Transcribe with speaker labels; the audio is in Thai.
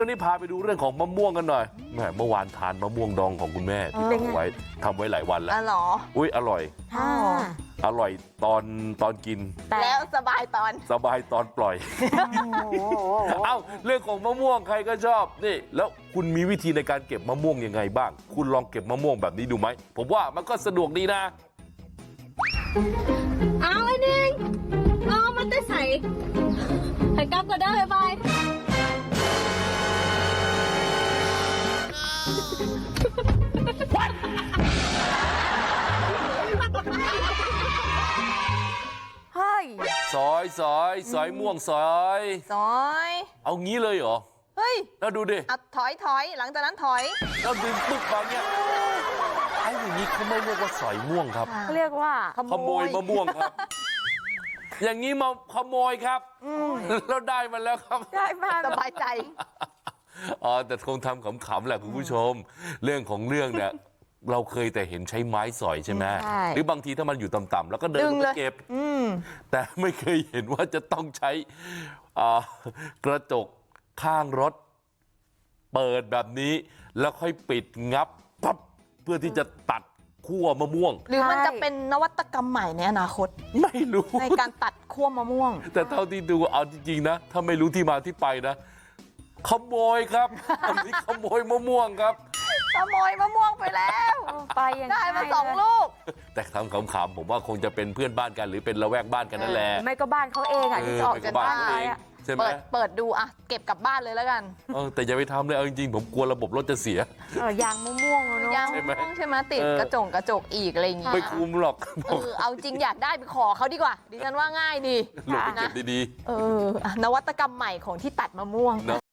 Speaker 1: วันนี้พาไปดูเรื่องของมะม่วงกันหน่อยแหมเมื่อวานทานมะม่วงดองของคุณแม่ที่ทำไว้หลายวันแล้ว
Speaker 2: หรอ
Speaker 1: อุ้ยอร่อยอร่อยตอนกิน
Speaker 2: แล้วสบายตอน
Speaker 1: ปล่อยเอ้าเรื่องของมะม่วงใครก็ชอบนี่แล้วคุณมีวิธีในการเก็บมะม่วงยังไงบ้างคุณลองเก็บมะม่วงแบบนี้ดูไหมผมว่ามันก็สะดวกดีนะ
Speaker 3: เอาไอ้นิ่งเอามันได้ใส่กลับก็ได้บาย
Speaker 2: เฮ้ย
Speaker 1: สอยม่วงสอยเอางี้เลยเหรอ
Speaker 2: เฮ้ย
Speaker 1: แล้วดูดิ
Speaker 2: ถอยหลังจากนั้นถอย
Speaker 1: แล้วดึงปึ๊กมาเนี่ยไอ้อย่างนี้เขาไม่เรียกว่าสอยม่วงครับ
Speaker 2: เขาเรียกว่า
Speaker 1: ขโมยมะม่วงครับอย่างนี้มาขโมยครับแล้วได้มาแล้วครับ
Speaker 2: ได้มาสบายใจ
Speaker 1: แต่คงทำขำๆแหละคุณผู้ชมเรื่องของเรื่องเนี่ยเราเคยแต่เห็นใช้ไม้สอยใช่ไหมหรือบางทีถ้ามันอยู่ต่ำๆแล้วก็เดินไปเก็บแต่ไม่เคยเห็นว่าจะต้องใช้กระจกข้างรถเปิดแบบนี้แล้วค่อยปิดงับปั๊บเพื่อที่จะตัดขั้วมะม่วง
Speaker 2: หรือมันจะเป็นนวัตกรรมใหม่ในอนาคต
Speaker 1: ไม่รู้
Speaker 2: ในการตัดขั้วมะม่วง
Speaker 1: แต่เท่าที่ดูเอาจริงๆนะถ้าไม่รู้ที่มาที่ไปนะขโมยครับอันนี้ขโมยมะม่วงครับ
Speaker 2: ขโมยมะม่วงไปแล้วไปได้มา2 ลูก
Speaker 1: แต่ทำขำๆผมว่าคงจะเป็นเพื่อนบ้านกันหรือเป็นละแวกบ้านกันนั่นแหละ
Speaker 2: ไม่ก็บ้านเขาเองที่ออกจากบ้านไป
Speaker 1: ใช่ไหม
Speaker 2: เปิดดูเก็บกลับบ้านเลยแล้วกัน
Speaker 1: แต่อย่าไปทำเลยเอาจริงๆผมกลัวระบบรถจะเสีย
Speaker 2: ยางมะม่วงเนาะยางมะม่วงใช่ไหมติดกระจกอีกอะไรอย่างเงี้ย
Speaker 1: ไม่คุ้มหรอก
Speaker 2: เอาจริงอยากได้ไปขอเขาดีกว่าดิฉันว่าง่ายดี
Speaker 1: หลบเก็บดี
Speaker 2: ๆนวัตกรรมใหม่ของที่ตัดมะม่วง